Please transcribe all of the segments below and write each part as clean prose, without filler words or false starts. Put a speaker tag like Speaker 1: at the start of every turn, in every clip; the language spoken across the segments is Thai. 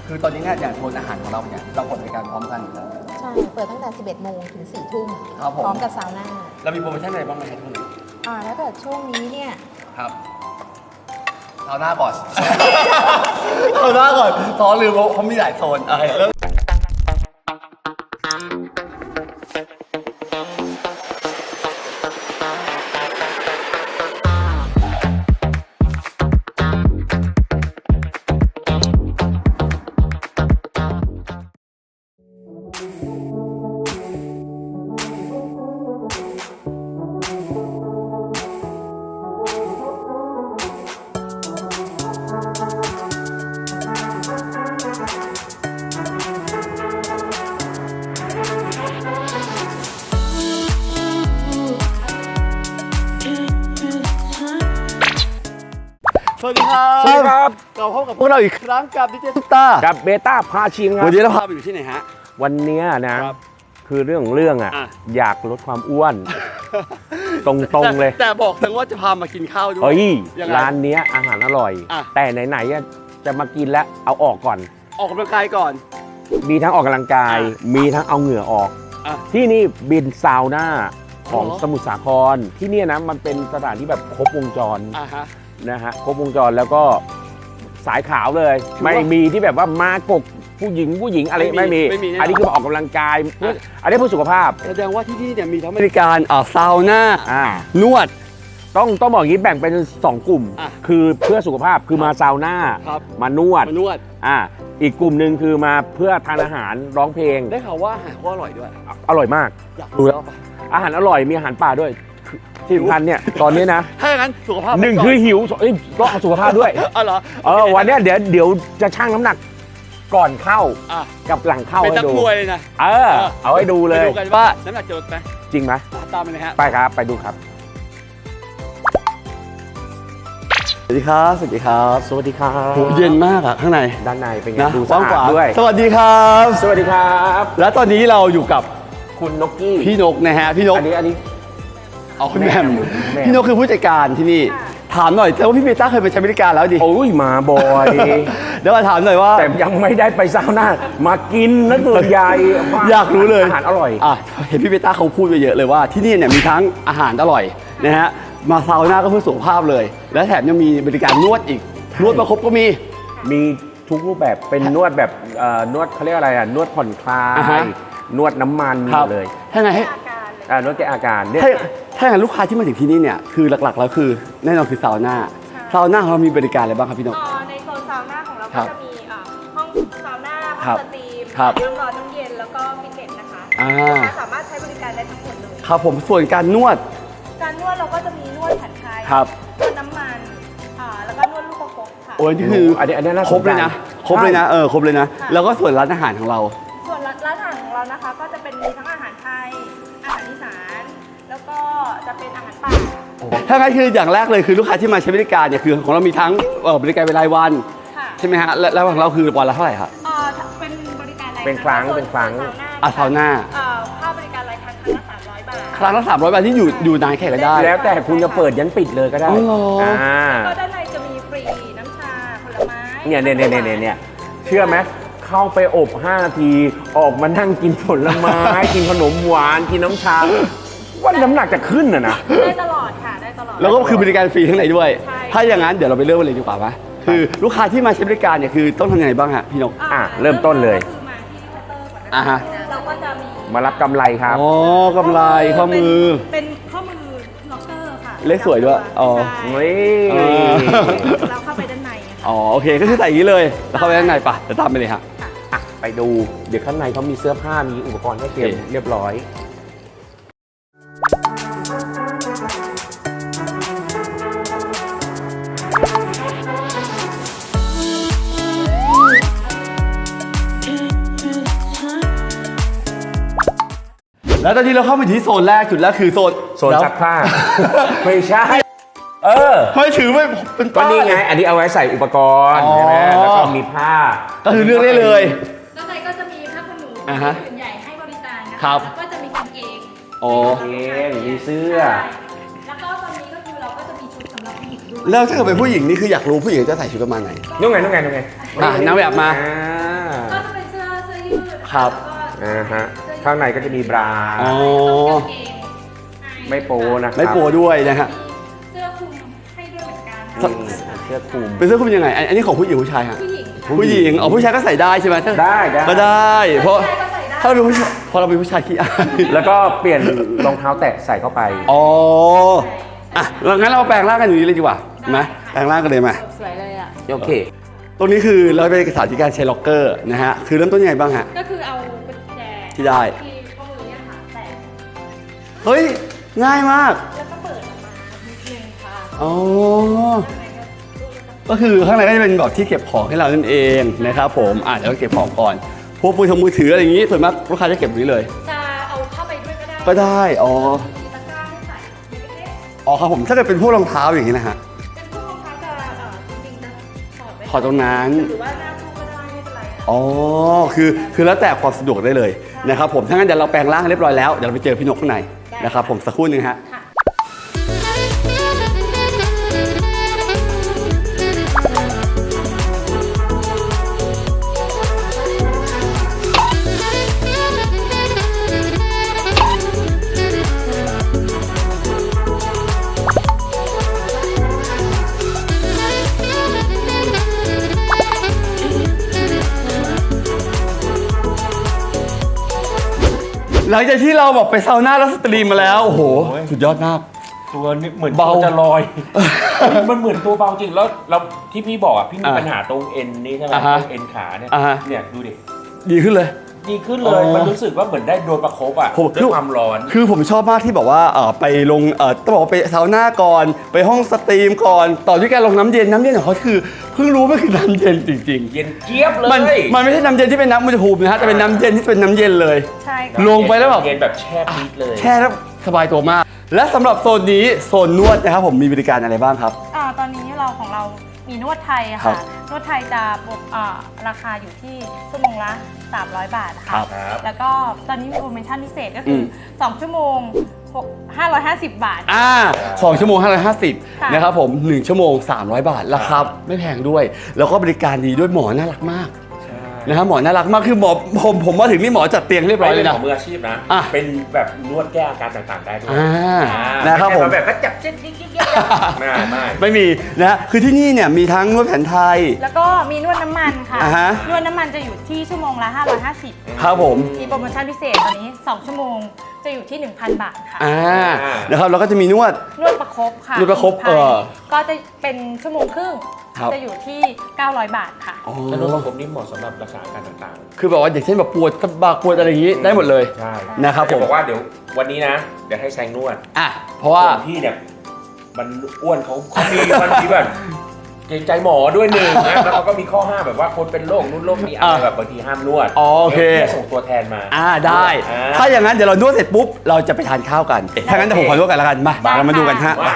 Speaker 1: คือตอนนี้เนี่ยอย่างโซนอาหารของเราเนี่ยเราเปิดบริการพร้อมกันอยู่แล้ว
Speaker 2: ใช่ เปิดตั้งแต่ 11 โมงถึง 4 ทุ่ม
Speaker 1: ครับผม
Speaker 2: พร้อมกับซาวน่า
Speaker 1: เรามีโปรโมชั่นอะไรบ้างไหมครับคุณ
Speaker 2: ถ้าเกิดช่วงนี้เนี่ย
Speaker 1: ครับเอาหน้าก่อน เอาหน้าก่อนซ้อนลืมเขามีหลายโซนเริ่มสวัสดีครับ
Speaker 3: สวัสดีครับ
Speaker 1: เราพบกับพวกเราอีกครั้งกับดิเจซุปตา
Speaker 3: กับเบต้าพาชิงครั
Speaker 1: วั
Speaker 3: บ
Speaker 1: นนี้เราพาไปอยู่ที่ไหนฮะ
Speaker 3: วันเนี้ยนะครับ คือเรื่องอ่ะ
Speaker 1: อ่ะ
Speaker 3: อยากลดความอ้วน ตรงๆเลย
Speaker 1: แต่บอกถึงว่าจะพามากินข้าวด้วย
Speaker 3: เฮ้ย
Speaker 1: ยังไง
Speaker 3: ร้านเนี้ยอาหารอร่อย
Speaker 1: อ่ะ
Speaker 3: แต่ไหนๆอ่ะจะมากินแล้วเอาออกก่อน
Speaker 1: ออกกำลังกายก่อน
Speaker 3: มีทั้งออกกำลังกาย
Speaker 1: อ่ะ
Speaker 3: มีทั้งเอาเหงื่อออก
Speaker 1: อ่ะ
Speaker 3: ที่นี่บินซาวน่าของ
Speaker 1: อ๋อ
Speaker 3: สมุทรสาครที่เนี่ยนะมันเป็นสถานที่แบบครบวงจร
Speaker 1: ฮะ
Speaker 3: นะฮะครบวงจรแล้วก็สายขาวเลย
Speaker 1: ถือว่า
Speaker 3: ไม่มีที่แบบว่ามากกผู้หญิงอะไร
Speaker 1: ไม่มี
Speaker 3: ไม่มี
Speaker 1: ไม่มีแน่นอน
Speaker 3: อันนี้คือมาออกกำลังกายเพื่ออันนี้เพื่อสุขภาพ
Speaker 1: แสดงว่าที่นี่เนี่ยมีทั้งบริการซาวน่า นวด
Speaker 3: ต้องบอกอย่างนี้แบ่งเป็น 2 กลุ่ม
Speaker 1: อ่ะ
Speaker 3: คือเพื่อสุขภาพคือมาซาวน่า
Speaker 1: ครับ
Speaker 3: มานวด
Speaker 1: มานวด
Speaker 3: อีกกลุ่มหนึ่งคือมาเพื่อทานอาหารร้องเพลง
Speaker 1: ได้ข่าวว่าอาหารก็อร่อยด้วย
Speaker 3: อร่อยมาก
Speaker 1: อยากรู้แล้วปะ
Speaker 3: อาหารอร่อยมีอาหารป่าด้วยที่สำคัญเนี่ยตอนนี้นะ
Speaker 1: ถ้าอย่างนั้นสุขภาพ
Speaker 3: หนึ่ง
Speaker 1: ไปก่
Speaker 3: คือหิวสองต้องเอาสุขภาพด้วย
Speaker 1: อ๋อเหรอ
Speaker 3: วันเนี้ยเดี๋ยวจะชั่งน้ำหนักก่อนเข้า
Speaker 1: อ่ะ
Speaker 3: กับหลังเข้า
Speaker 1: เป็น
Speaker 3: ให้
Speaker 1: นัก
Speaker 3: ดู
Speaker 1: มวยเลยนะ
Speaker 3: เอาให้ดูเลย
Speaker 1: ไปดูกันว่าน้ำหนักจะลดไหม
Speaker 3: จริงไหม
Speaker 1: ตามไปเลยฮะ
Speaker 3: ไปครับไปดูครับ
Speaker 1: สวัสดีครับ สวัสดีครับ
Speaker 3: สวัสดีครับ
Speaker 1: โหเย็นมากอะข้างใน
Speaker 3: ด้านในเป็นไง
Speaker 1: นะ
Speaker 3: ดู
Speaker 1: ก
Speaker 3: สะ
Speaker 1: ว้าง
Speaker 3: อา
Speaker 1: ข
Speaker 3: ด
Speaker 1: วาง
Speaker 3: ด้วย
Speaker 1: สวัสดีครับ
Speaker 3: สวัสดีครับ
Speaker 1: และตอนนี้เราอยู่กับ
Speaker 3: คุณนกกี้
Speaker 1: พี่นกนะฮะ พี่นก
Speaker 3: อันนี้
Speaker 1: เอาคุณแหม่ม
Speaker 3: แหม่ม
Speaker 1: พี่นกคือผู้จัดการที่นี่ ถามหน่อยแต่ว่าพี่เบต้าเคยไปใช้บริการแล้วดิ
Speaker 3: โอ้ยมาบ่อย
Speaker 1: เดี๋ยวมาถามหน่อยว่า
Speaker 3: แต่ยังไม่ได้ไปซาวน่ามากินนะส่วนใหญ่
Speaker 1: อยากรู้เลย
Speaker 3: อาหารอร่อย
Speaker 1: เห็นพี่เบต้าเขาพูดไปเยอะเลยว่าที่นี่เนี่ยมีทั้งอาหารอร่อยนะฮะ มาซาวน่าก็เพื่อสุขภาพเลย และแถมยังมีบริการนวดอีก นวดประคบก็มี
Speaker 3: มีทุกรูปแบบเป็นนวดแบบนวดเขาเรียกอะไรนวดผ่อนคลา
Speaker 1: อ่าฮะ
Speaker 3: ยนวดน้ำมันมี
Speaker 1: ครั
Speaker 3: ห
Speaker 1: บ
Speaker 3: มดเลย
Speaker 1: ถ้าไงให้
Speaker 3: นวดแก้อาการเนี่ย
Speaker 1: ถ้าอย่างนั้นลูกค้าที่มาถึงที่นี่เนี่ยคือหลักๆแล้วคือแน่นอนคือซาวน่าซาวน่าของเรามีบริการอะไรบ้างครับพี่นก
Speaker 4: ในโซนซาวน่าของเรา
Speaker 1: ครั
Speaker 4: ก็
Speaker 1: บ
Speaker 4: จะมีห้องซาวน่า
Speaker 1: ครั
Speaker 4: ห้อบ งสตรีม
Speaker 1: ครับ
Speaker 4: น้ำร้อนน้ำเย็นแล้วก็ฟิตเนสนะคะ
Speaker 1: อ่า
Speaker 4: ลูกค้าสามารถใช้บริการได้ทั้งหมดเลย
Speaker 1: ครับผมส่วนการนวด
Speaker 4: การนวดเราก็จะมีนวดแผนไทย
Speaker 1: ครับ
Speaker 4: นวดน้ำมันแล้วก็นวดลูกประคบค่ะ
Speaker 1: โอ้ยนี่คือ
Speaker 3: อันนี้น่าสนใจ
Speaker 1: ครบเลยนะครบเลยนะครบเลยนะ
Speaker 4: ค่ะ
Speaker 1: แล้วก็ส่วนร้านอาหารของเรา
Speaker 4: ส่วนร้านอาหารของเรานะคะ ก็จะเป็นมีทั้งอาหารไทย อาหารอีสาน แล้วก็จะเป็นอาหารป่า
Speaker 1: ถ้างั้นคืออย่างแรกเลยคือลูกค้าที่มาใช้บริการเนี่ยคือของเรามีทั้งบริการเป็นรายวัน
Speaker 4: ค่ะ
Speaker 1: ใช่ไหมฮะแล้วของเราคือวันละเท่าไหร่ครับ
Speaker 4: เป็นบริการราย
Speaker 3: เป็นครั้ง
Speaker 4: ส่ว
Speaker 3: เป็นครั้ง
Speaker 4: ซาวน่า
Speaker 1: ซาวน่า
Speaker 4: ค่าบริการรายครั้งครั้งละ300 บาท
Speaker 1: ครั้งละ300 บาทที่อยู่นานแค่ไหนได้
Speaker 3: แล้วแต่คุณจะเปิดยันปิดเลยก็ได้
Speaker 1: อ๋อเหรออ่
Speaker 4: ก็ด้านในจะมีฟรีน้ำชาผลไม้
Speaker 3: เนี่ยเชื่อไหมเข้าไปอบ 5 นาที ออกมานั่งกินผลไม้ กินขนมหวาน กินน้ำชาว่าน้ำหนักจะขึ้นนะ
Speaker 4: ได้ตลอดค่ะ ได้ตลอด
Speaker 1: แล้วก็คือบริการฟรีข้างในด้วย
Speaker 4: ใช่
Speaker 1: ถ้าอย่างนั้นเดี๋ยวเราไปเริ่มกันเลยดีกว่าไหมคือลูกค้าที่มาใช้บริการเนี่ยคือต้องทำยังไงบ้างฮะพี่นก
Speaker 3: เริ่มต้นเลย
Speaker 4: ก็คือมาที่เคาน์เตอร์ก่อน
Speaker 1: อ่า
Speaker 4: นะ
Speaker 1: ฮะ
Speaker 4: เราก็จะมี
Speaker 3: มารับกำไรครับ
Speaker 1: อ๋อกำไรข้อมือ
Speaker 4: เป็นข้อมือล็อกเกอร์ค่ะ
Speaker 1: เลขสวยด้วยอ๋อ
Speaker 4: ใช่
Speaker 3: เฮ้ย
Speaker 4: เราเข้าไปด้านในอะค่ะ
Speaker 1: อ๋อโอเคก็คือใส่อย่างนี้เลยแล้วเข้าไปด้านในปะเดี๋ยวตามไปเลยฮะ
Speaker 3: ไปดู เดี๋ยวข้างในเขามีเสื้อผ้า มีอุปกรณ์ให้เตรียม
Speaker 1: โอเค
Speaker 3: เรียบร้อย
Speaker 1: แล้วตอนนี้เราเข้าไปที่โซนแรกจุดแรกคือโซน
Speaker 3: โซนซักผ้า ไม่ใช่
Speaker 1: ไม่ถือไม่เป็น
Speaker 3: ก็
Speaker 1: ป้าย
Speaker 3: นี่ไง อันนี้เอาไว้ใส่อุปกรณ์
Speaker 1: อ๋อ
Speaker 3: ใช่ไหมแล้วก็มีผ้า
Speaker 1: ก็คือเลือกได้เลย
Speaker 4: ด้านในก็จะมีผ้าขนหนู
Speaker 1: อ่าฮะ
Speaker 4: ผืนใหญ่ให้บริการนะ
Speaker 1: ครั
Speaker 4: คะ
Speaker 1: บ
Speaker 4: แล้วก็จะมีกางเกง
Speaker 1: อ๋อ
Speaker 3: เองมีเสื้อ
Speaker 4: ใช่แล้วก็ตอนนี้ก็คือเราก็จะมีชุดสำหรับผู้หญิงด้วย
Speaker 1: แล้วถ้าเกิดเป็นผู้หญิงนี่คืออยากรู้ผู้หญิงจะใส่ชุดประมาณไหน
Speaker 3: นู่นไง
Speaker 1: นางแบบมา
Speaker 3: อ่า
Speaker 1: ครับ
Speaker 3: ฮะข้างในก็จะมีบรา
Speaker 1: อ๋อ
Speaker 4: กางเกงให้
Speaker 3: ไม่โป๊นะครับ
Speaker 1: ไม่โปรด้วยนะฮะ
Speaker 4: เสื้อคลุมให้ด้วยเหมือนกัน
Speaker 3: อืมเสื้อคลุม
Speaker 1: เป็นเสื้อคลุมยังไงอันนี้ของผู้หญิงผู้ชายฮะ
Speaker 4: ผู้หญิง
Speaker 1: ผู้หญิงอ๋อผู้ชายก็ใส่ได้ใช่ไหมถ้า
Speaker 3: ได้ได้
Speaker 1: ก็ได้ เพราะ
Speaker 4: ผู้ชายก็ใส่ได้
Speaker 1: ถ้าเราเป็นผู้ชายพอเราเป็นผู้ชายขี้อาย
Speaker 3: แล้วก็เปลี่ยนรองเท้าแตะใส่เข้าไป
Speaker 1: อ๋ออ่ะงั้นเรามาแปลงร่างกันอยู่นี้เลยดีกว่าไหมแปลงร่างกันเลยไหม
Speaker 2: สวยเลยอ่ะ
Speaker 3: โอเค
Speaker 1: ตรงนี้คือเราเป็นเอกสารที่การใช้ล็อกเกอร์นะฮะคือเริ่มต้นยังไงบ้างฮะ
Speaker 4: ก็คือเอากุญแจ
Speaker 1: ที่ได้
Speaker 4: ที่ข้อมือเนี่ยค่ะแตะ
Speaker 1: เฮ้ยง่ายมาก
Speaker 4: แล้วก็เปิดออกมานิดนึงค่ะ
Speaker 1: อ๋อ
Speaker 4: ข้างในก็ดู
Speaker 1: ก็คือข้างในก็จะเป็นแบบที่เก็บของให้เรานั่นเองนะครับผมเดี๋ยวเราเก็บของก่อนพวกมือถืออะไรอย่างงี้ส่วนมากลูกค้าจะเก็บตรงนี้เลย
Speaker 4: จะเอาเข้าไปด้วยก็ได้
Speaker 1: ก็ได้อ๋อ
Speaker 4: มีตะกร้าให้ใส่เล็ก
Speaker 1: อ๋อครับผมถ้าเกิดเป็นพวกรองเท้าอย่างนี้นะฮะ
Speaker 4: ๆเป็นพวกรองเท้าจะจริงๆจะถอดไว้
Speaker 1: ถอดตรงนั้น
Speaker 4: หรือว่าหน้าตู้ก็ได้ไม่เป็นไรค่ะ
Speaker 1: อ๋อคือแล้วแต่ความสะดวกได้เลยนะครับผมถ้างั้นเดี๋ยวเราแปลงร่างให้เรียบร้อยแล้วเดี๋ยวเราไปเจอพี่นกข้างในนะครับผมสักครู่หนึงฮะ
Speaker 4: ค่ะ
Speaker 1: หลังจากที่เราแบบไปซาวน่าแล้วสตรีมมาแล้วโอ้โหสุดยอดมาก
Speaker 3: ตัวนี้เหมือน
Speaker 1: เบา
Speaker 3: ตัวจะลอย มันเหมือนตัวเบาจริงแล้วเราที่พี่บอกอ่ะพี่มี
Speaker 1: อ่า
Speaker 3: ปัญหาตรงเอ็นนี่ใช่ไหม
Speaker 1: อ่าฮะ
Speaker 3: ตรงเอ็นขาเนี่ย
Speaker 1: อ่าฮะ
Speaker 3: เนี่ยดูดิ
Speaker 1: ดีขึ้นเลย
Speaker 3: ดีขึ้นเลย
Speaker 1: อ๋อ
Speaker 3: มันรู้สึกว่าเหมือนได้โดนประคบอ่ะ
Speaker 1: ผม
Speaker 3: ด้วยความร้อน
Speaker 1: คือผมชอบมากที่บอกว่าไปลงต้องบอกว่าไปซาวน่าก่อน ไปห้องสตรีมก่อน ต่อด้วยการลงน้ำเย็นของเขาคือเพิ่งรู้ว่าคือน้ำเย็นจริง
Speaker 3: เย็นเจี๊ยบเล
Speaker 1: ๆ มันไม่ใช่น้ำเย็นที่เป็นน้ำอุณหภูมินะฮะแต่เป็นน้ำเย็นที่เป็นน้ำเย็นเลย
Speaker 4: ใช่ค่ะ
Speaker 1: ลงไปแล้วแบบ
Speaker 3: เย็นแบบแช่ปี๊ดเลย
Speaker 1: แช่แล้วสบายตัวมาก และสำหรับโซนนี้โซนนวดนะครับผมมีบริการอะไรบ้างครับ
Speaker 4: ตอนนี้ของเรามีนวดไทยอะ
Speaker 1: ครั
Speaker 4: ค่ะ
Speaker 1: บ
Speaker 4: นวดไทยจะราคาอยู่ที่ชั่วโมงละ300 บาท
Speaker 1: ครั
Speaker 4: ค่ะ
Speaker 1: บ
Speaker 4: แล้วก็ตอนนี้มีโปรโมชั่นพิเศษก็คืออ2ชั่วโมง550 บาท
Speaker 1: 2 ชั่วโมง
Speaker 4: ค่ะ
Speaker 1: 550นะครับผม1ชั่วโมง300 บาทราคาไม่แพงด้วย แล้วก็บริการดีด้วยหมอน่ารักมากนะครับหมอน่ารักมากคือหมอผมมาถึงนี่หมอจัดเตียงเรียบร้อยเลย
Speaker 3: เป็น
Speaker 1: นะ
Speaker 3: ของมืออาชีพนะ
Speaker 1: อ่ะ
Speaker 3: เป็นแบบนวดแก้อาการต่างๆได้ด้วย
Speaker 1: นะครับผม
Speaker 3: ไใช่แบบก็จับเส้นยิกๆไม่
Speaker 1: ไม่มีนะฮะคือที่นี่เนี่ยมีทั้งนวดแผนไทย
Speaker 4: แล้วก็มีนวดน้ำมันค่ะ
Speaker 1: อ่าฮะ
Speaker 4: นวดน้ำมันจะอยู่ที่ชั่วโมงละ550
Speaker 1: ครับผม
Speaker 4: มีโปรโมชั่นพิเศษตอนนี้ 2 ชั่วโมงจะอยู่ที่ 1,000 บาทค่ะ
Speaker 1: นะครับแล้วก็จะมีนวด
Speaker 4: นวดประคบค่ะ
Speaker 1: นวดประคบ
Speaker 4: ก็จะเป็นชั่วโมงครึ่ง
Speaker 1: ครับ
Speaker 4: จะอยู่ที่ 900 บาทค่ะ
Speaker 1: อ๋อ
Speaker 3: ถ้านวดประคบนี่เหมาะสำหรับรักษาอาการต่างๆ
Speaker 1: คือแบบว่าอย่างเช่นแบบปวดสะบักปวดอะไรอย่างนี้ได้หมดเลย
Speaker 3: ใช่
Speaker 1: นะครับผม
Speaker 3: จะบอกว่าเดี๋ยววันนี้นะ เดี๋ยวให้แซงนวด
Speaker 1: เพราะว่า
Speaker 3: ส่วนพี่เนี่ยมันอ้วนเขามันมีแบบเกรงใจหมอด้วยหนึ่งนะแล้วเขาก็มีข้อห้ามแบบว่าคนเป็นโรคนู้นโรคนี้อะไรแบบบางทีห้ามนวด
Speaker 1: โอเค
Speaker 3: ดี๋ยวพี่จะส่งตัวแทนมา
Speaker 1: ได้
Speaker 3: อ่า
Speaker 1: ถ้าอย่างนั้นเดี๋ยวเรานวดเสร็จปุ๊บเราจะไปทานข้าวกันถ้างั้นเดี๋ยวผมขอนวดกันแล้วกันมา
Speaker 4: ได้
Speaker 1: เรามาดูกันฮะ
Speaker 3: ว่า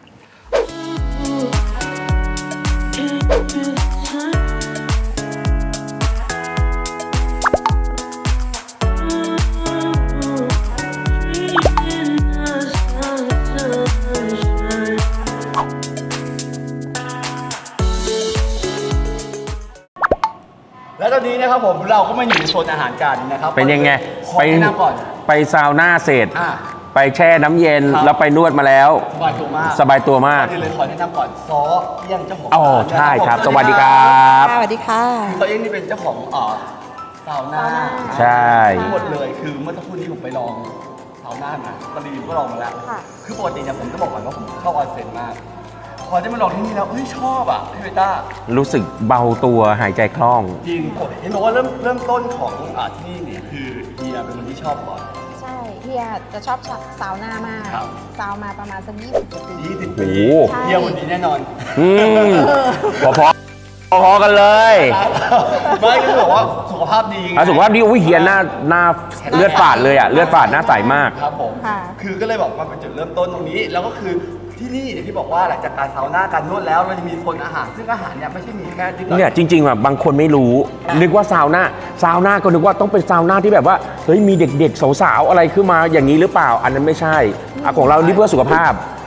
Speaker 1: แล้วตอนนี้นะครับผมเราก็มาอยู่ในโซนอาหารกันนะครับ
Speaker 3: เป็นยังไง
Speaker 1: ขอแนะนำก่อน
Speaker 3: ไปซาวน่าเสร็จ
Speaker 1: อ่า
Speaker 3: ไปแช่น้ำเย็น
Speaker 1: ครับ
Speaker 3: แล้วไปนวดมาแล้ว
Speaker 1: สบายตัวมาก
Speaker 3: สบายตัวมาก
Speaker 1: ก่อนอื่นเลยขอแนะนำก่อนซอเอี้ยงเจ้าของ
Speaker 3: อ๋อ
Speaker 1: ร้าน
Speaker 3: ใช่ครับ
Speaker 1: นะ
Speaker 3: สวัสดีครับ
Speaker 2: สวัสดีค่ะ
Speaker 1: ซอเอี้ยงนี่เป็นเจ้าของซาวน่า
Speaker 3: ใช่
Speaker 1: ทั้งหมดเลยคือเมื่อสักครู่นี้ผมไปลองซาวน่ามาตอนนี้ก็ลองมาแล้ว
Speaker 2: ค่ะ
Speaker 1: คือปกติเนี่ยผมจะบอกก่อนว่าผมชอบออนเซ็นมาก พอได้มาลองที่นี่แล้วเฮ้ยชอบอ่ะพี่เบต้า
Speaker 3: รู้สึกเบาตัวหายใจคล่อง
Speaker 1: จริงผมเห็นบอกว่าเริ่มต้นของที่นี่เนี่ยคือเฮียเป็นคนที่ชอบก่อน
Speaker 2: ใช่เฮียจะชอบซาวน่ามาก
Speaker 1: ครับ
Speaker 2: ซาวมาประมาณสัก20กว่าปี
Speaker 1: 20
Speaker 3: โอ้
Speaker 1: ปี
Speaker 3: โห
Speaker 1: เฮียคนนี้แน่นอน
Speaker 3: อืมพอกันเลย
Speaker 1: ไม่ก็คือบอกว่าสุขภาพดีไง
Speaker 3: สุขภาพดีอุ้ยเฮียหน้าเลือดฝาดเลยอ่ะเลือดฝาดหน้าใสมาก
Speaker 1: ครับผม
Speaker 2: ค่ะ
Speaker 1: คือก็เลยบอกว่าเป็นจุดเริ่มต้นตรงนี้ แล้วก็คือที่นี่อย่างที่บอกว่าหลังจากการซาวน่าการนวดแล้วเราจะมีโซนอาหาร ซึ่งอาหารเนี่ยไม่ใช่มีแค่ที่
Speaker 3: เนี่ยจริงๆอ่ะบางคนไม่รู้ นึกว่าซาวน่าก็นึกว่าต้องเป็นซาวน่าที่แบบว่าเฮ้ยมีเด็กๆสาวๆอะไรขึ้นมาอย่างนี้หรือเปล่า อันนั้นไม่ใช่ของเรานี่เพื่อสุขภาพ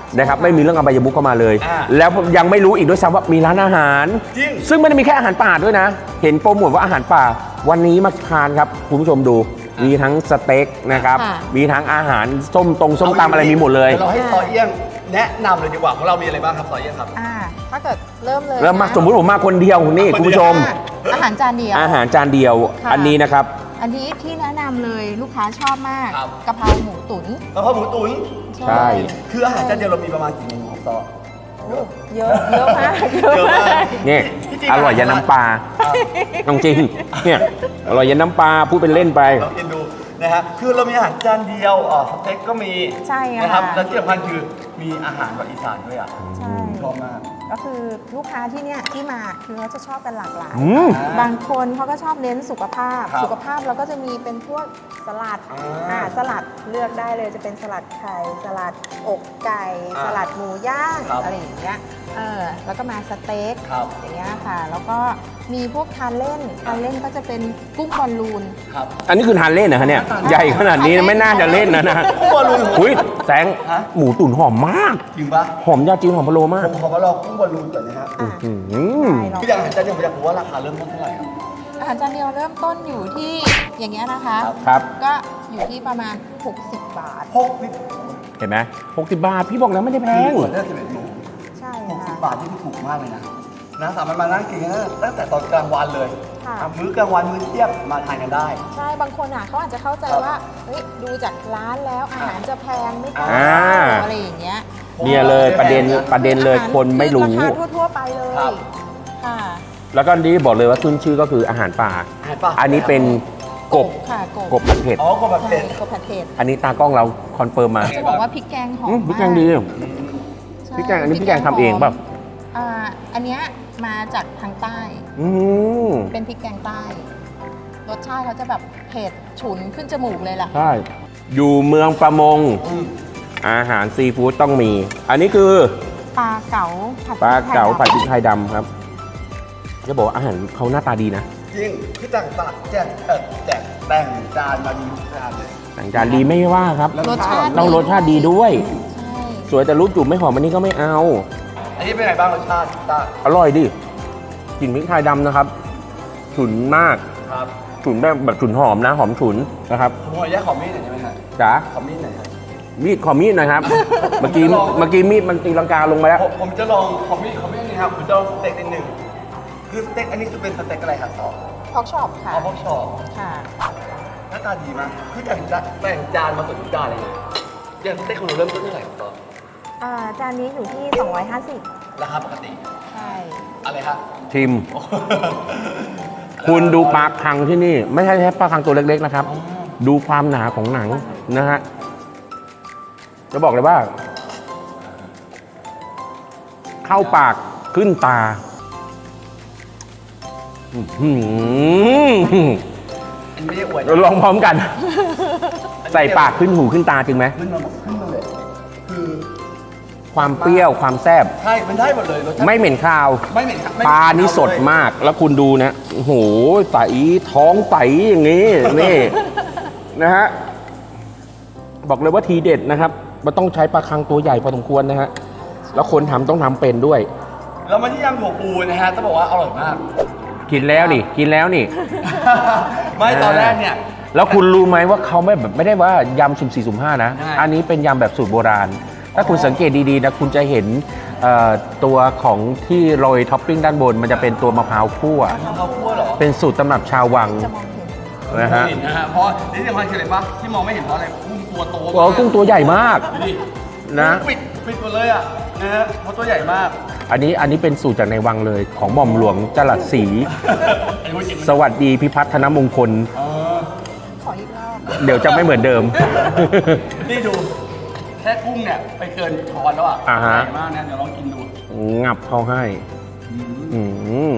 Speaker 3: นะครับไม่มีเรื่องอบายมุขเข้ามาเลย
Speaker 1: อ่า
Speaker 3: แล้วยังไม่รู้อีกด้วยซ้ำว่ามีร้านอาหาร
Speaker 1: จริง
Speaker 3: ซึ่งไม่ได้มีแค่อาหารป่าด้วยนะ เห็นโปรโมทว่าอาหารป่า วันนี้มาทานครับคุณผู้ชมดู มีทั้งสเต็กนะครับ
Speaker 2: ค่ะ
Speaker 3: มีทั้งอาหารส้มตำอะไรมีหมดเลย
Speaker 1: ดี๋วเราให้ซอเอี้ยงแนะนำเลยดีกว่าของเรามีอะไรบ้างครับซอเอี้ยงครับ
Speaker 2: ถ้าเกิดเริ่มเลย
Speaker 3: แล้วมา
Speaker 2: นะ
Speaker 3: สมมุติผมมาคนเดียวนี่คุณผู้ชม
Speaker 2: อาหารจานเดียว
Speaker 3: อาหารจานเดียว
Speaker 2: ค่ะ
Speaker 3: อันนี้นะครับ
Speaker 2: อันนี้ที่แนะนำเลยลูกค้าชอบมาก
Speaker 1: ครับ
Speaker 2: กะเพราหมูตุ๋น
Speaker 1: กะเพราหมูตุ๋น
Speaker 3: ใช่
Speaker 1: คืออาหารจานเดียวเรามีประมาณกี่เมนูครับซอ
Speaker 2: เยอะเยอะมาก
Speaker 1: เยอะมาก
Speaker 3: นี่
Speaker 1: ที่จริง
Speaker 3: อร่อยยันน้ำปลาจริงเนี่ยอร่อยยันน้ำปลาพูดเป็นเล่นไป
Speaker 1: เรากินดูนะฮะคือเรามีอาหารจานเดียวสเต็กก็มี
Speaker 2: ใช่ค่ะ
Speaker 1: นะครับแล้วที่สำคัญคือมีอาหารแบบอีสานด้วยอ่ะ
Speaker 2: ใช่
Speaker 1: ชอบมาก
Speaker 2: ก็คือลูกค้าที่เนี่ยที่มาคือเขาจะชอบกันหลากหลาย
Speaker 3: อืม
Speaker 2: บางคนเขาก็ชอบเน้นสุขภาพ
Speaker 1: ครับ
Speaker 2: สุขภาพเราก็จะมีเป็นพวกสลัด สลัดเลือกได้เลยจะเป็นสลัดไข่สลัดอกไก่
Speaker 1: อ่า
Speaker 2: สลัดหมูย่าง
Speaker 1: ครับ
Speaker 2: อะไรอย่างเงี้ยแล้วก็มาสเต็ก
Speaker 1: ครับ
Speaker 2: อย่างเงี้ยค่ะ แล้วก็มีพวกทานเล่นก็จะเป็นกุ้งบอลลูน
Speaker 1: ครับ
Speaker 3: อันนี้คือทานเล่นนะฮะเนี่ยใหญ่ขนาดนี้ไม่น่าจะเล่นนะ
Speaker 1: กุ้งบอลลูน
Speaker 3: อุ้ยแสง
Speaker 1: ฮะ
Speaker 3: หมูตุ๋นหอมมาก
Speaker 1: จริงปะ
Speaker 3: หอมยาจีนหอมพะโล้มาก
Speaker 1: ผมขอมาลองกุ้งบอลลูนก่อนนะฮะ
Speaker 2: อ่ะ
Speaker 3: อืม
Speaker 2: ได้ลอง
Speaker 1: คืออย่างอาหารจานเดียวผมอยากรู้ว่าราคาเริ่มต้นเท่าไหร่ครับ
Speaker 2: อาหารจานเดียวเริ่มต้นอยู่ที่อย่างเงี้ยนะคะ
Speaker 3: ครับ
Speaker 2: ก็อยู่ที่ประมาณ 60 บาท
Speaker 1: 6นิด
Speaker 3: เห็นไหม60 บาท พี่บอกแล้วไม่ได้แพง
Speaker 1: หัวเลือก11โมง
Speaker 2: ใช่
Speaker 1: 60
Speaker 2: ค่ะ
Speaker 1: บาทที่ถูกมากเลยนะสามารถมานั่งกินกันตั้งแต่ตอนกลางวันเลย
Speaker 2: ค่ะ
Speaker 1: มื้อกลางวันมื้อเที่ยงมาทานกันได้
Speaker 2: ใช่ บางคนเขาอาจจะเข้าใจว่า เฮ้ย ดูจากร้านแล้วอาหารจะแพงไม่พอ
Speaker 3: อ่า
Speaker 2: อะไรอย่างเงี้ย
Speaker 3: เนี่ยเลยประเด็นเลยคนไม่รู้
Speaker 2: อาหาทั่วๆไปเลย
Speaker 1: ครับ
Speaker 2: ค่ะ
Speaker 3: แล้วก็นี่บอกเลยว่าขึ้นชื่อก็คืออาหารป่า
Speaker 1: อาหารป่า
Speaker 3: อันนี้เป็นกบ
Speaker 2: ค่ะ
Speaker 3: กบผัดเผ็ด
Speaker 1: อ๋อกบแบบ
Speaker 2: ใช่
Speaker 1: เผ็ด
Speaker 2: กบผัดเผ็ด
Speaker 3: อันนี้ตากล้องเราคอนเฟิร์มมา
Speaker 2: จะบอกว่าพริกแกงหอม
Speaker 3: พริกแกงดี
Speaker 2: มากใช่
Speaker 3: พริกแกงอันนี้พริกแกงทำเองเปล่า
Speaker 2: อันเนี้ยมาจากทางใต้
Speaker 3: อืม
Speaker 2: เป็นพริกแกงใต้ รสชาติเขาจะแบบเผ็ดฉุนขึ้นจมูกเลยล่ะ
Speaker 3: ใช่อยู่เมืองประมง อาหารซีฟู้ดต้องมี อันนี้คือ
Speaker 2: ปลาเก๋าผัด
Speaker 3: ปลาเก๋าผัด
Speaker 2: พ
Speaker 3: พ
Speaker 2: ริ
Speaker 3: ริ
Speaker 2: ก
Speaker 3: ก
Speaker 2: ไท
Speaker 3: ไท
Speaker 2: ย
Speaker 3: ยดำครับ จะบอกว่าอาหารเขาหน้าตาดีนะ
Speaker 1: จริงคือแต่งจานมาดีทุกจานเลย
Speaker 3: แต่งจานดีไม่ว่าครับ
Speaker 2: รสชาติ
Speaker 3: ต้องรสชาติดีด้วย
Speaker 2: ใช่
Speaker 3: สวยแต่รูปจุ่มไม่หอมอันนี้ก็ไม่เอา
Speaker 1: อันนี้เป็นไงบ้างรสชาติตา
Speaker 3: อร่อยดิกลิ่นพริกไทยดำนะครับ ฉุนมาก
Speaker 1: ครับ
Speaker 3: ฉุนแบบฉุนหอมนะ หอมฉุนนะครับ
Speaker 1: ผมขออนุญาตขอมีดหน่อยได้ไหมฮะ
Speaker 3: จ๋า
Speaker 1: ขอมีดหน่อยครับ
Speaker 3: มีดขอมีดหนะครับ เมื่อกี้มีดมันตีลังกาลงมาแล้ว
Speaker 1: ผมจะลองขอมีดนี่ครับผมจะลองสเต็กนิดหนึ่งคือสเต็กอันนี้คือเป็นสเต็กอะไรครับซอ
Speaker 2: พอกช็อปค่ะ
Speaker 1: เอาพวกชอบ
Speaker 2: ค่ะ
Speaker 1: หน้าตาดีมากคือแต่งจานมาสวยทุกจานเลยอย่างสเต็กของเราเริ่มต้นเท่าไหร่ครับซอ
Speaker 2: จานนี้อยู่ที่ 250
Speaker 1: ราคาปกติ
Speaker 2: ใช่
Speaker 1: อะไรครับ
Speaker 3: ทิม คุณดูปลาคังที่นี่ ไม่ใช่แค่ปลาคังตัวเล็กๆนะครับ ดูความหนาของหนังนะฮะ จะบอกเลยว่า เข้าปากขึ้นตาอื้อหือ
Speaker 1: อันนี้ไม่ได้อวย
Speaker 3: เราลองพร้อมกัน ใส่ปากขึ้นหูขึ้นตาจริงไหม
Speaker 1: ขึ้นมาเลยคือ
Speaker 3: ความเปรี้ยวความแซ่บ
Speaker 1: ใช่มันได้หมดเลยรสชาติ
Speaker 3: ไม่เหม็นคาว
Speaker 1: ไม่เหม็นครับไม่
Speaker 3: ปลานี่สดมาก แล้วคุณดูนะ โอ้โห ใสท้องใสอย่างนี้ นี่ นะฮะ บอกเลยว่าทีเด็ดนะครับ มันต้องใช้ปลาคังตัวใหญ่พอสมควรนะฮะ แล้วคนทำต้องทำเป็นด้วย
Speaker 1: แล้วมาที่ยำถั่วปูนะฮะจะบอกว่าอร่อยมาก
Speaker 3: กินแล้วนี่ กินแล้วนี่
Speaker 1: ไม่ตอนแรกเนี่ย
Speaker 3: แล้วคุณรู้ไหมว่าเขาไม่ได้ว่ายำสุ่มสี่สุ่มห้านะ
Speaker 1: ใช่
Speaker 3: อันนี้เป็นยำแบบสูตรโบราณ ถ้าคุณสังเกตดีๆนะคุณจะเห็นตัวของที่โรยท็อปปิ้งด้านบน มันจะเป็นตัวมะพร้าวคั่ว
Speaker 1: ทำข้าวคั่วเหรอ
Speaker 3: เป็นสูตรตำรับชาววัง
Speaker 2: จะมองเห็น
Speaker 3: นะฮะ
Speaker 1: เห็นนะฮะเพราะนี่สำคัญคืออะไรปะที่มองไม่เห็นเพราะอะไรกุ้งตัวโต
Speaker 3: โอ้กุ้งตัวใหญ่มาก
Speaker 1: ดูดิ
Speaker 3: นะ
Speaker 1: ปิดหมดเลยอ่ะนะฮะเพราะตัวใหญ่มาก
Speaker 3: อันนี้เป็นสูตรจากในวังเลยของหม่อมหลวงจรัสศรี
Speaker 1: ไอ้พวกจิ๋ม
Speaker 3: สวัสดีพิพัฒนมงคล
Speaker 2: ขออีกรอบ
Speaker 3: เดี๋ยวจะไม่เหมือนเดิม
Speaker 1: นี่ดู แค่กุ้งเนี่ยไปเกินช้อนแล้วอ่ะ
Speaker 3: อ่าฮะ
Speaker 1: ใหญ่มากนะเดี๋ยวลองกินดู
Speaker 3: งับเข้าให้ อืม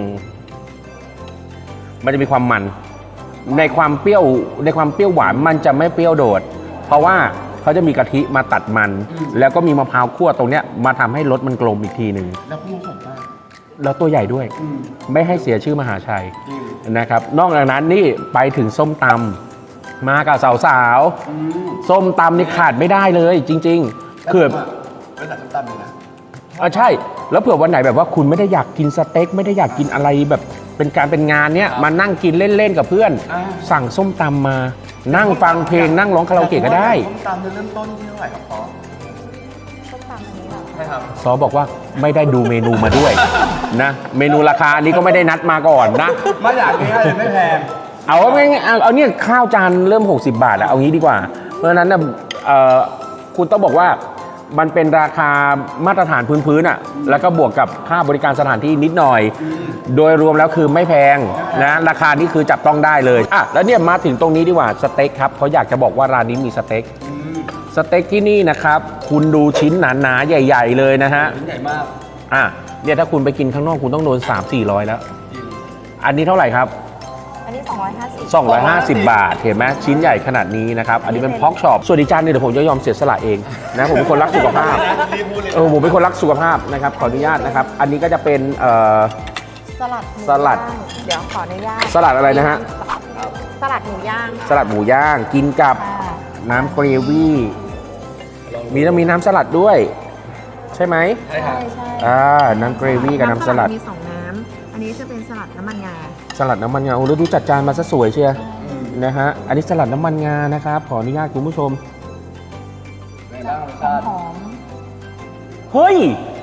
Speaker 3: มันจะมีความมัน ในความเปรี้ยวหวานมันจะไม่เปรี้ยวโดด เพราะว่าเขาจะมีกะทิมาตัดมัน แล้วก็มีมะพร้าวคั่วตรงเนี้ยมาทำให้รสมันกลมอีกทีหนึ่ง
Speaker 1: แล้วกุ้งสดมาก
Speaker 3: แล้วตัวใหญ่ด้วย
Speaker 1: อืม
Speaker 3: ไม่ให้เสียชื่อมหาชัย
Speaker 1: จริง
Speaker 3: นะครับ นอกจากนั้นนี่ไปถึงส้มตำมากับสาวๆส้มตำนี่ขาดไม่ได้เลย จริงๆคือ
Speaker 1: เป็นสั่งส้มตำเลยนะ
Speaker 3: ใช่ แล้วเผื่อวันไหนแบบว่าคุณไม่ได้อยากกินสเต็กไม่ได้อยากกินอะไรแบบเป็นการเป็นงานเนี้ยมานั่งกินเล่นๆกับเพื่อน สั่งส้มตำมานั่งฟังเพลงนั่งร้องคาราโอเกะก็ได้
Speaker 1: ส้มตำจะเริ่มต้นที่เท่าไหร่ครับพ่อ
Speaker 2: ส้มตำอันนี้เหรอ
Speaker 1: ใช่ครับ
Speaker 3: ซอบอกว่าไม่ได้ดูเมนูมาด้วยนะเมนูราคานี้ก็ไม่ได้นัดมาก่อนนะ
Speaker 1: มาอย่างนี้เลยไม่แพง
Speaker 3: เอาไม่เอาเนี่ยข้าวจานเริ่ม 60 บาทแล้วเอางี้ดีกว่า เพราะฉะนั้นนะคุณต้องบอกว่ามันเป็นราคามาตรฐานพื้นๆอ่ะแล้วก็บวกกับค่าบริการสถานที่นิดหน่อย โดยรวมแล้วคือไม่แพงนะราคานี้คือจับต้องได้เลยอ่ะแล้วเนี่ยมาถึงตรงนี้ดีกว่าสเต็กครับเขาอยากจะบอกว่าร้านนี้มีสเต็กสเต็กที่นี่นะครับคุณดูชิ้นหนาๆใหญ่ ๆ เลยนะฮะ
Speaker 1: ชิ้นใหญ่มาก
Speaker 3: อ่ะเนี่ยถ้าคุณไปกินข้างนอกคุณต้องโดน 3-400 แล้ว อันนี้เท่าไหร่ครับ
Speaker 2: อันนี้ 250
Speaker 3: 250 บาท เห็นไหมชิ้นใหญ่ขนาดนี้นะครับ อันนี้เป็นพ็อกช็อปส่วนอีกจานหนึงเดี๋ยวผมจะยอมเสียสละเองนะผมเป็นคนรักสุขภาพ
Speaker 1: รีบพูดเลย
Speaker 3: ผมเป็นคนรักสุขภาพนะครับขออนุญาตนะครับ อันนี้ก็จะเป็น
Speaker 2: สลัดหมู
Speaker 3: สลัด
Speaker 2: ย่างเดี๋ยวขออนุญาต
Speaker 3: สลัดอะไรนะฮะ
Speaker 2: สลัดหมูย่าง
Speaker 3: สลัดหมูย่างกินกับ
Speaker 2: ค่ะ
Speaker 3: น้ำเกรวี่มีน้ำสลัดด้วย ใช่ไหม
Speaker 1: ใช่ครับ
Speaker 2: ใช่
Speaker 3: น้ำเกรวี่กับน้ำสลัด
Speaker 2: มี2น้ำอันนี้จะเป็นสลัดน้ำมันงา
Speaker 3: สลัดน้ำมันงาโอ้แล้วดูจัดจานมาซะสวยเชียร์นะฮะอันนี้สลัดน้ำมันงานะครับขออนุญาตคุณผู้ชม
Speaker 1: เป็นไงบ้างรสชาติ
Speaker 2: หอม
Speaker 3: เฮ้ย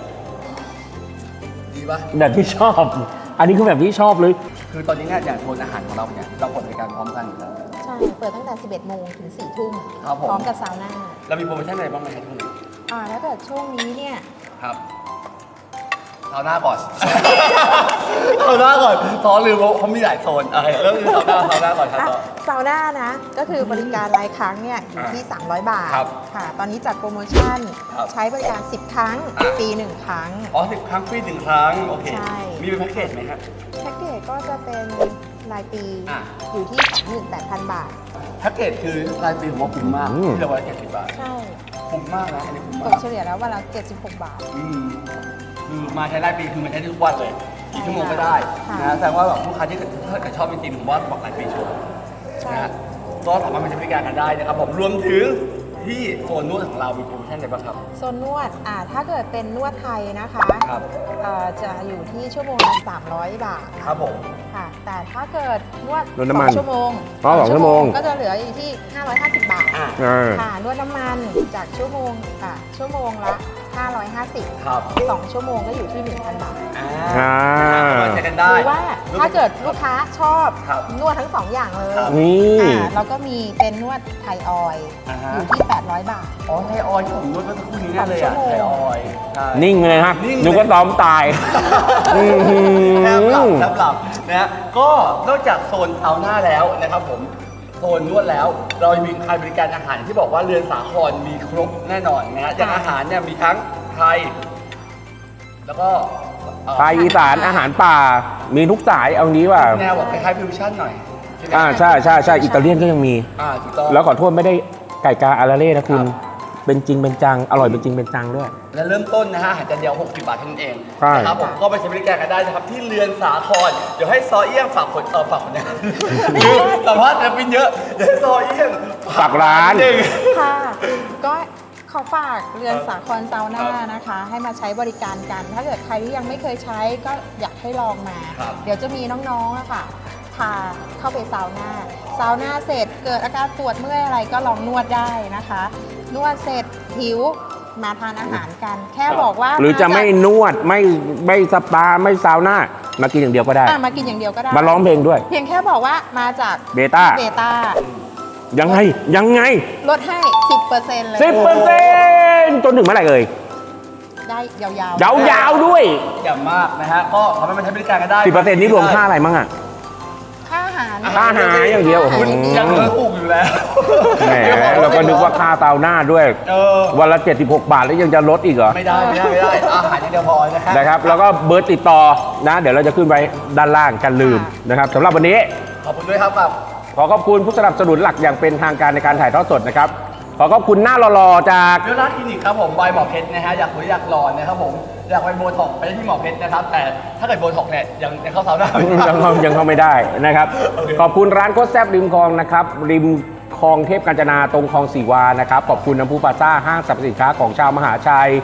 Speaker 1: ดีปะ
Speaker 3: แบบที่ชอบ อันนี้คือแบบที่ชอบเลย
Speaker 1: คือตอนนี้เนี่ยอย่างโซนอาหารของเราเนี่ยเราเปิดบริการพร้อมกันอยู่แล้ว
Speaker 2: ใช่ เปิดตั้งแต่ 11 โมงถึง 4 ทุ่ม
Speaker 1: ครับผม
Speaker 2: พร้อมกับซาวน่า
Speaker 1: เรามีโปรโมชั่นอะไรบ้างไหมครับทุกคน
Speaker 2: แล้วแต่ช่วงนี้เนี่ย
Speaker 1: ครับเอาหน้าก่อน เอาหน้าก่อนซอลืมว่าเขามีหลายโซนเริ่มที่เอาหน้าก่อนครับซอ
Speaker 2: ซาวน่านะ ก็คือบริการรายครั้งเนี่ยอยู่ที่ 300 บาท
Speaker 1: ครับ
Speaker 2: ค่ะ ตอนนี้จัดโปรโมชั่น
Speaker 1: ครับ
Speaker 2: ใช้บริการ 10 ครั้งฟรี 1 ครั้ง
Speaker 1: อ๋อ10 ครั้งฟรี1 ครั้ง โอเค
Speaker 2: ใช่
Speaker 1: มีเป็นแพ็กเกจไหมครับ
Speaker 2: แพ็กเกจก็จะเป็นรายปี
Speaker 1: อ่ะ
Speaker 2: อยู่ที่ 28,000 บาท
Speaker 1: แพ็กเกจคือรายปีผมว่าคุ้มมาก
Speaker 3: อืม
Speaker 1: ที่เราวันละ70 บาท
Speaker 2: ใช่
Speaker 1: คุ้มมากนะอันนี้คุ้ม
Speaker 2: ต
Speaker 1: มาก
Speaker 2: กเฉลี่ยแล้ววันละ76 บาท
Speaker 1: คือมาใช้รายปีคือมาใช้ได้ทุกวันเลยกี่ชั่วโมงก็ได้
Speaker 2: ค่ะ
Speaker 1: นะแสดงว่าแบบลูกค้าที่ถ้าเกิดชอบจริงๆผมว่าบอกรายปีชัวร์
Speaker 2: ใช่
Speaker 1: นะฮะก็สามารถมาใช้บริการกันได้นะครับผมรวมถึงที่โซนนวดของเรามีโปรโมชั่นอะไรบ้างครับ
Speaker 2: โซนนวดถ้าเกิดเป็นนวดไทยนะคะ
Speaker 1: ครับ
Speaker 2: จะอยู่ที่ชั่วโมงละ300 บาท
Speaker 1: ครับผม
Speaker 2: ค่ะ แต่ถ้าเกิดนวด
Speaker 3: นวดน้ำมัน
Speaker 2: 2 ชั่วโมง
Speaker 3: อ๋อ2ชั่วโมง
Speaker 2: ก็จะเหลืออยู่ที่ 550 บาท
Speaker 1: อ่ะ
Speaker 2: ค่ะ นวดน้ำมันจากชั่วโมงชั่วโมงละ 550
Speaker 1: ครับ
Speaker 2: 2 ชั่วโมงก็อยู่ที่ 1,000 บาท
Speaker 3: อ่า
Speaker 1: มาใช้กันได้
Speaker 2: หรือว่าถ้าเกิดลูกค้าชอบ
Speaker 1: ครับ
Speaker 2: นวดทั้ง 2 อย่างเลย
Speaker 1: ครับ
Speaker 3: นี่
Speaker 2: เราก็มีเป็นนวดไทยออยล์
Speaker 1: อ่าฮะ
Speaker 2: อยู่ที่ 800 บาท
Speaker 1: อ๋อไทยออยล์ที่ผมนวดเมื่อสักครู่นี้นั่นเลยอ่ะ
Speaker 2: 2 ชั่วโมง
Speaker 1: ไทยออยล์ใช่
Speaker 3: นิ่งเลยฮะ
Speaker 1: นิ่งเลย
Speaker 3: นึกว่าซ้อมตาย อื้อหือ
Speaker 1: แทบหลับนะฮะก็นอกจากโซนซาวน่าแล้วนะครับผมโซนนวดแล้วเรายังมีการบริการอาหารที่บอกว่าเรือนสาครมีครบแน่นอนนะฮะอย่างอาหารเนี่ยมีทั้งไทย แล้วก็
Speaker 3: ไทยอีสานอาหารป่า มีทุกสายเอางี้ว่า
Speaker 1: แนวแบบคล้ายๆฟิวชั่นหน่อยใช่ไหม
Speaker 3: ใช่อิตาเลียนก็ยังมี
Speaker 1: ถูกต้อง
Speaker 3: แล้วขอโทษไม่ได้ไก่กาอาราเล่นะคุณ
Speaker 1: ครับ
Speaker 3: เป็นจริงเป็นจัง อร่อยเป็นจริงเป็นจังด้วย
Speaker 1: และเริ่มต้นนะฮะอาหารจานเดียว60 บาทเท่านั้นเอง
Speaker 3: ใช่
Speaker 1: นะครับผมก็ไปใช้บริการกันได้นะครับที่เรือนสาครเดี๋ยวให้ซอเอี้ยงฝากคนนะคือสัมภาษณ์จะเป็นเยอะเดี๋ยวให้ซอเอี้ยง
Speaker 3: ฝากร้าน
Speaker 1: ดง
Speaker 2: ค่ะ ก็ขอฝากเรือนสาครซาวน่านะคะ ให้มาใช้บริการกัน ถ้าเกิดใครที่ยังไม่เคยใช้ก็อยากให้ลองมา
Speaker 1: ครับ
Speaker 2: เดี๋ยวจะมีน้องๆอะค่ะพาเข้าไปซาวน่าซาวน่าเสร็จเกิดอาการปวดเมื่อยอะไรก็ลองนวดได้นะคะ นวดเสร็จหิวมาทานอาหารกัน แค่บอกว่า
Speaker 3: หรือจะไม่นวดไม่สปาไม่ซาวน่ามากินอย่างเดียวก็ได้
Speaker 2: มากินอย่างเดียวก็ได้
Speaker 3: มาร้องเพลงด้วย
Speaker 2: เพียงแค่บอกว่ามาจาก
Speaker 3: เบต้า
Speaker 2: เบต้า
Speaker 3: ยังไง
Speaker 2: ลดให้ 10%เลย
Speaker 3: 10%จนถึงเมื่อไหร่เอ่ย
Speaker 2: ได้ยาวๆ
Speaker 3: ยาวๆด้วย
Speaker 1: อย่างมากนะฮะก็สามารถมาใช้บริการกันได้
Speaker 3: 10%นี่รวมค่าอะไรมั่งอ่ะ
Speaker 2: ค่าอาหาร
Speaker 3: ค่าอาหารอย่างเดียว
Speaker 2: ค่าอาหาร
Speaker 1: ยังเหลือถูกอยู่แล้ว
Speaker 3: แหมเราก็นึกว่าค่าซาวน่าด้วย วันละ 76 บาทแล้วยังจะลดอีกเหรอ
Speaker 1: ไม่ได้อาหารอย่างเดียวพอนะครับ
Speaker 3: นะครับแล้วก็เบอร์ติดต่อนะ เดี๋ยวเราจะขึ้นไว้ด้านล่างกันลืมนะครับสำหรับวันนี้
Speaker 1: ขอบคุณด้วยครับแบบ
Speaker 3: ขอขอบคุณผู้สนับสนุนหลักอย่างเป็นทางการในการถ่ายทอดสดนะครับขอขอบคุณหน้าหล่อๆจาก
Speaker 1: เรื่องรักคลินิกครับผมใบหมอเพชรนะฮะอยากสวยอยากหล่อนะครับผมอยากไปโบท็อกซ์ไปที่หมอเพชรนะครับแต่ถ้าเกิดโบท็อกซ์เนี่ยยังเข้าซาวน่าไม่ได้
Speaker 3: ยังเข้าไม่ได้นะครับ
Speaker 1: โอเค
Speaker 3: ขอบคุณร้านโคตรแซ่บริมคลองนะครับริมคลองเทพกาญจนาตรงคลองสีวานะครับขอบคุณน้ำพุปาซ่าห้างสรรพสินค้าของชาวมหาชัย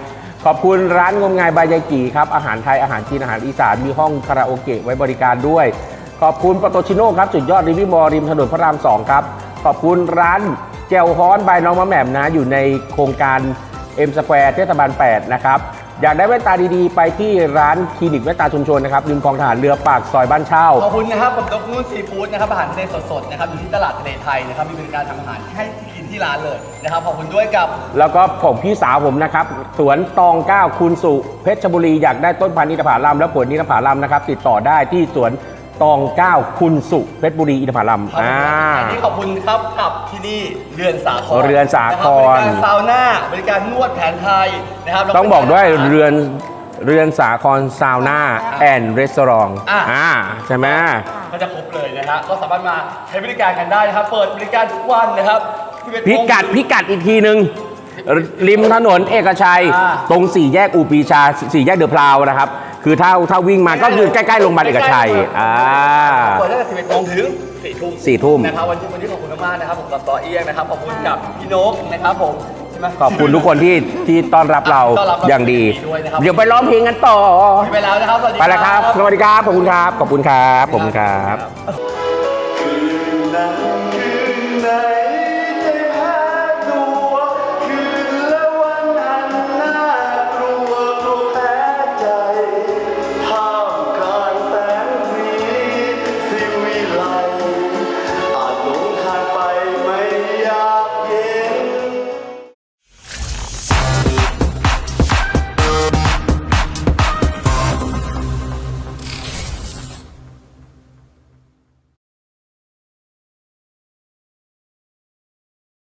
Speaker 3: ขอบคุณร้านงมงายบายยายกี่ครับอาหารไทยอาหารจีนอาหารอีสานมีห้องคาราโอเกะไว้บริการด้วย ขอบคุณปโตชิโน่ครับจุดยอดริมมอริมถนนพระราม 2 ครับขอบคุณร้านแจวฮ้อนบายน้องมะแหม่มนะอยู่ในโครงการ M Square เทศบาล 8 นะครับอยากได้แว่นตาดีๆ ไปที่ร้านคลินิกแว่นตาชุมชนนะครับริมคลองทหารเรือปากซอยบ้านเช่า
Speaker 1: ขอบคุณนะครับผมดรนุ่นซีฟู้ดนะครับอาหารทะเลสดๆนะครับอยู่ที่ตลาดทะเลไทยนะครับมีบริการทำอาหารให้กินที่ร้านเลยนะครับขอบคุณด้วยกับ
Speaker 3: แล้วก็ผมพี่สาวผมนะครับสวนตอง 9 คุณสุเพชรบุรีอยากได้ต้นพันธุ์อินทผลัมและผลอินทผลัมนะครับติดต่อได้ที่สวนตอง 9 คุณสุเพชรบุรีอินทผลัม
Speaker 1: อันนี้ขอบคุณครับกับที่นี่เรือนสาคร
Speaker 3: เรือนสาคร
Speaker 1: บริการซาวน่าบริการนวดแผนไทยนะครับ
Speaker 3: ต้องบอกด้วยเรือนสาครซาวน่าแอนด์รีสอร์ทใช่ไหม
Speaker 1: ก็จะครบเลยนะฮะก็สามารถมาใช้บริการกันได้นะครับเปิดบริการทุกวันนะครับ11
Speaker 3: พิกัดอีกทีหนึ่งริมถนนเอกชัย ตรง4 แยกอูปีชา 4 แยกเดอะพราวนะครับคือถ้าวิ่งมาก็คือใกล้ๆโรงพยาบาลเอกชัย
Speaker 1: เปิดตั้งแต่11 โมงถึง 4 ทุ่มนะครับวันนี้ขอบคุณมากๆนะครับผมกับต่อเอี้ยงนะครับขอบคุณกับพี่นกนะครับผมใช่ไหม
Speaker 3: ขอบคุณทุกคนที่ต้อนรับเรา
Speaker 1: ต้อนรับเรา
Speaker 3: อย่างดี
Speaker 1: ด้วยนะครับ
Speaker 3: เดี๋ยวไปร้องเพลงกันต่อ
Speaker 1: ไปแล้วนะครับสวัสดี
Speaker 3: ไปแล้วครับ สวัสดีครับ ขอบคุณครับ ขอบคุณครับ ขอบคุณครับ
Speaker 1: คืนนั้น